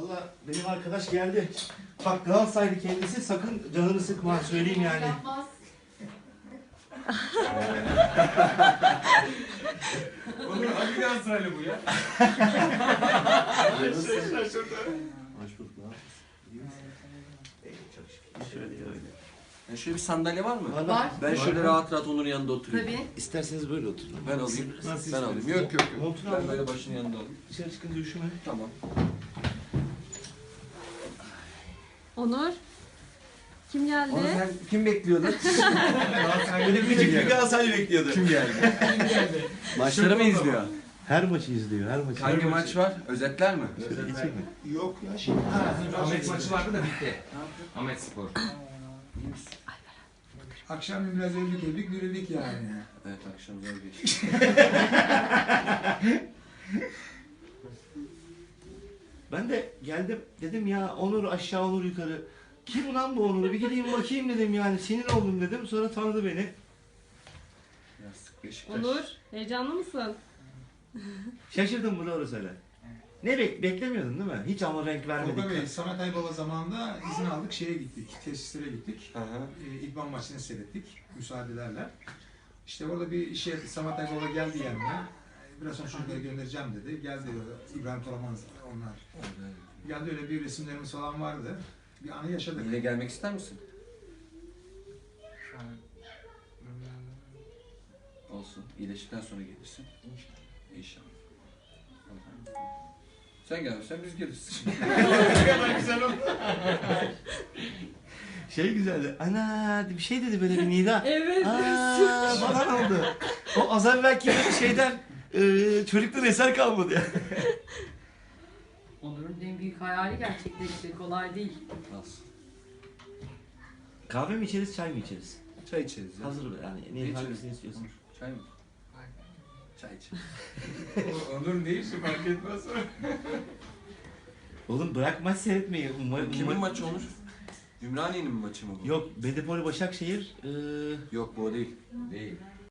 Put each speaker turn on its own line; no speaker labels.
Valla benim arkadaş geldi. Bak Galatasaraylı kendisi, sakın canını sıkma, söyleyeyim yani.
Yapmaz.
Onur hangi Galatasaraylı bu ya?
Şaşırdı.
Hoş bulduk.
Çok şükür. Şöyle öyle.
Yani şöyle bir sandalye var mı?
Var.
Ben şöyle rahat rahat Onur'un yanında oturayım.
Tabii.
İsterseniz böyle oturun.
Ben alayım.
Nasıl
Ben alayım.
istiyorsun?
Yok yok yok.
Montunu
Ben
al.
böyle başının yanında alayım.
Dışarı çıkınca üşüme.
Tamam.
Onur. Kim geldi?
Onu sen kim bekliyordu?
Böyle küçük bir Galatasaray bekliyordu.
Kim geldi? Maçları mı izliyor?
Her maçı izliyor, her maçı.
Hangi maç var? Özetler mi?
Geçecek mi?
Yok ya şimdi.
Ahmet maçı vardı da bitti. Ahmet Spor.
Akşam biraz öldük dirildik yani.
Evet akşam zor geçti.
Ben de geldim, dedim ya Onur aşağı, Onur yukarı. Kim ulan bu Onur'u? Bir gideyim bakayım dedim yani. Sinir oldum dedim. Sonra tanıdı beni.
Yastık Beşiktaş.
Onur, heyecanlı mısın?
Şaşırdım, bu doğru söyle. Ne beklemiyordun değil mi? Hiç ama renk
Tolga Bey,
vermedik.
Samet Aybaba zamanında izin aldık, şeye gittik, tesislere gittik.
Hı hı.
İdman maçını seyrettik, müsaadelerle. İşte orada bir işe Samet Aybaba geldi yanıma. Biraz sonra çocukları göndereceğim dedi. Geldi İbrahim Toraman onlar. Geldi, öyle bir resimlerimiz falan vardı. Bir anı yaşadık.
Yine gelmek ister misin? Olsun. İyileştikten sonra gelirsin. İnşallah. Sen gelmezsen biz geliriz.
Ne kadar güzel oldu. Şey güzeldi. Ana bir şey dedi böyle bir Nida.
Evet.
Aa, falan oldu. O az evvelki şeyden çocuktan eser kalmadı ya.
Onur'un en büyük hayali gerçekleşti. Kolay değil.
Nasıl?
Kahve mi içeriz, çay mı içeriz?
Çay içeriz ya.
Hazır yani.
Ne
Ne
içeriz?
hangisini istiyorsun?
Çay mı? Çay içeriz.
Onur ne işi fark etmez.
Oğlum bırak maç seyretmeyi.
Kimin maçı olur? Ümraniye'nin mi maçı mı bu?
Yok, Bedepoli Başakşehir.
Yok bu o değil.
Değil.